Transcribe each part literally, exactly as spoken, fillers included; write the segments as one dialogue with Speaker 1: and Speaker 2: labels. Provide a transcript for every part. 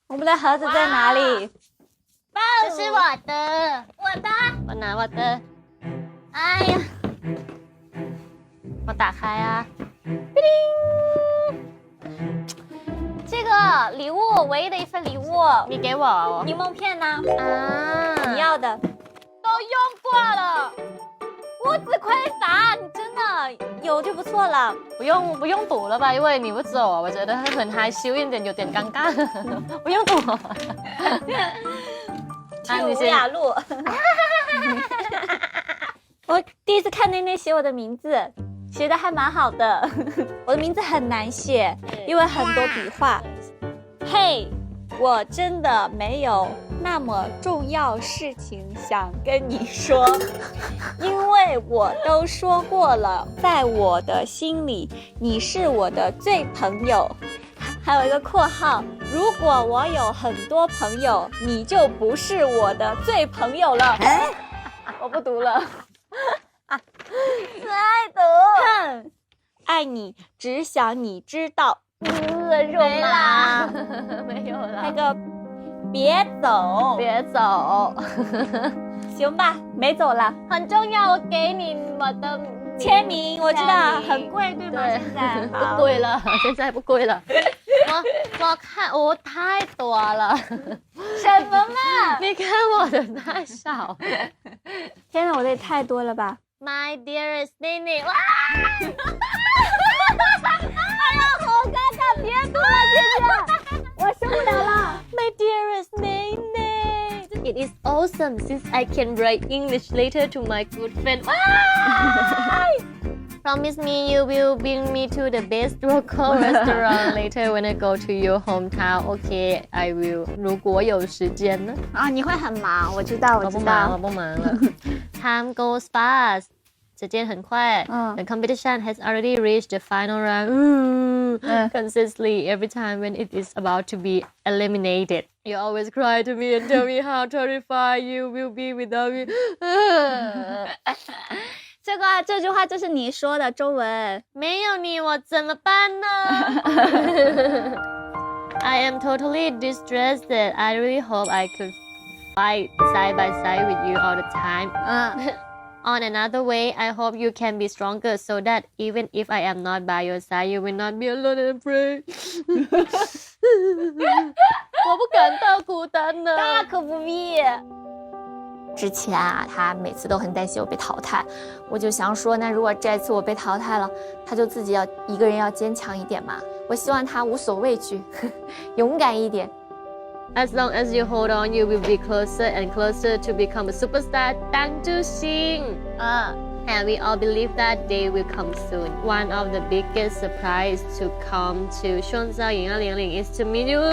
Speaker 1: 我们的盒子在哪里？
Speaker 2: 这是我的，我的，
Speaker 3: 我拿我的。
Speaker 2: 哎呀，
Speaker 3: 我打开啊。
Speaker 1: 这个礼物，唯一的一份礼物，
Speaker 3: 你给我哦。
Speaker 1: 柠檬片呢？
Speaker 3: 啊，
Speaker 1: 你要的都用过了，我只亏啥？你真的有就不错了。
Speaker 3: 不用不用赌了吧，因为你不走，我觉得很害羞一点，有点尴尬。不用赌。
Speaker 1: 去吴雅路。我第一次看内内写我的名字，写的还蛮好的。我的名字很难写，因为很多笔画。嘿，我真的没有那么重要事情想跟你说，因为我都说过了，在我的心里，你是我的最朋友。还有一个括号，如果我有很多朋友，你就不是我的最朋友了。我不读了。
Speaker 2: 爱读。
Speaker 1: 哼，爱你，只想你知道。呃，肉
Speaker 3: 没
Speaker 1: 麻，
Speaker 3: 啦，没有了。
Speaker 1: 那个，别走，
Speaker 3: 别走。
Speaker 1: 行吧，没走了。
Speaker 2: 很重要，我给你我的
Speaker 1: 签名，我知道
Speaker 2: 签名
Speaker 1: 很贵，对吗？
Speaker 3: 对
Speaker 1: 现在
Speaker 3: 不贵了，现在不贵了。我我看我太多了，
Speaker 1: 什么嘛？
Speaker 3: 你看我的太少。
Speaker 1: 天哪，我的也太多了吧
Speaker 2: My dearest 内内，哇！
Speaker 1: 哎呀，好尴尬，别读了，姐姐，我受不了了。
Speaker 3: My dearest Nene, it is awesome since I can write English letter to my good friend. Promise me you will bring me to the best local restaurant later when I go to your hometown. Okay, I will. 如果有时间呢？
Speaker 1: 啊，你会很忙，我知道，我知
Speaker 3: 我不忙，我
Speaker 1: 道。
Speaker 3: 不忙了。Time goes fast. 时间很快。
Speaker 1: 嗯
Speaker 3: The competition has already reached the final round. 嗯
Speaker 1: 嗯
Speaker 3: Consistently, every time when it is about to be eliminated, you always cry to me and tell me how terrified you will be without me.
Speaker 1: 这个这句话就是你说的中文。
Speaker 3: 没有你我怎么办呢？I am totally distressed. I really hope I could fight side by side with you all the time.
Speaker 1: 嗯。
Speaker 3: On another way, I hope you can be stronger so that even if I am not by your side, you will not be alone and afraid. 我不感到孤单呢。
Speaker 1: 大可不必。
Speaker 4: 之前啊，他每次都很担心我被淘汰，我就想说，那如果这次我被淘汰了，他就自己要一个人要坚强一点嘛。我希望他无所畏惧，勇敢一点。
Speaker 3: As long as you hold on, you will be closer and closer to become a superstar. 当之星。
Speaker 1: 嗯。
Speaker 3: And we all believe that day will come soon. One of the biggest surprise to come to 创造营二零零 is to meet you.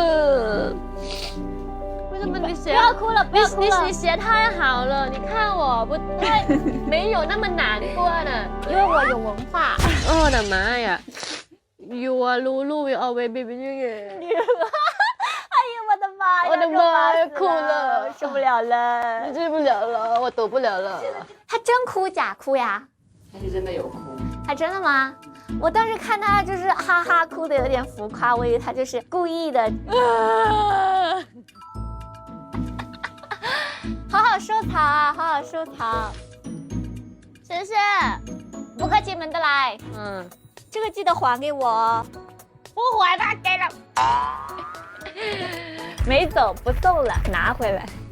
Speaker 3: 为什么你写？
Speaker 1: 不要哭了，不要哭了。
Speaker 3: 你你写太好了，你看我不对，没有那么难过呢，
Speaker 1: 因为我有文化。
Speaker 3: 我的妈呀 ！You are Lulu, will always be with you.
Speaker 1: 哎呀，我的妈呀！
Speaker 3: 我的妈呀，哭
Speaker 1: 了，
Speaker 3: 了，
Speaker 1: 受不了了，
Speaker 3: 治不了了，我躲不了了。
Speaker 4: 他真哭假哭呀？
Speaker 5: 他是真的有哭。
Speaker 4: 他真的吗？我当时看他就是哈哈哭的有点浮夸，我以为他就是故意的。
Speaker 1: 好好收藏啊，好好收藏。谢谢，不客气，门得来。
Speaker 3: 嗯，
Speaker 1: 这个记得还给我哦。
Speaker 2: 不还吧，给了。
Speaker 1: 没走，不送了，拿回来。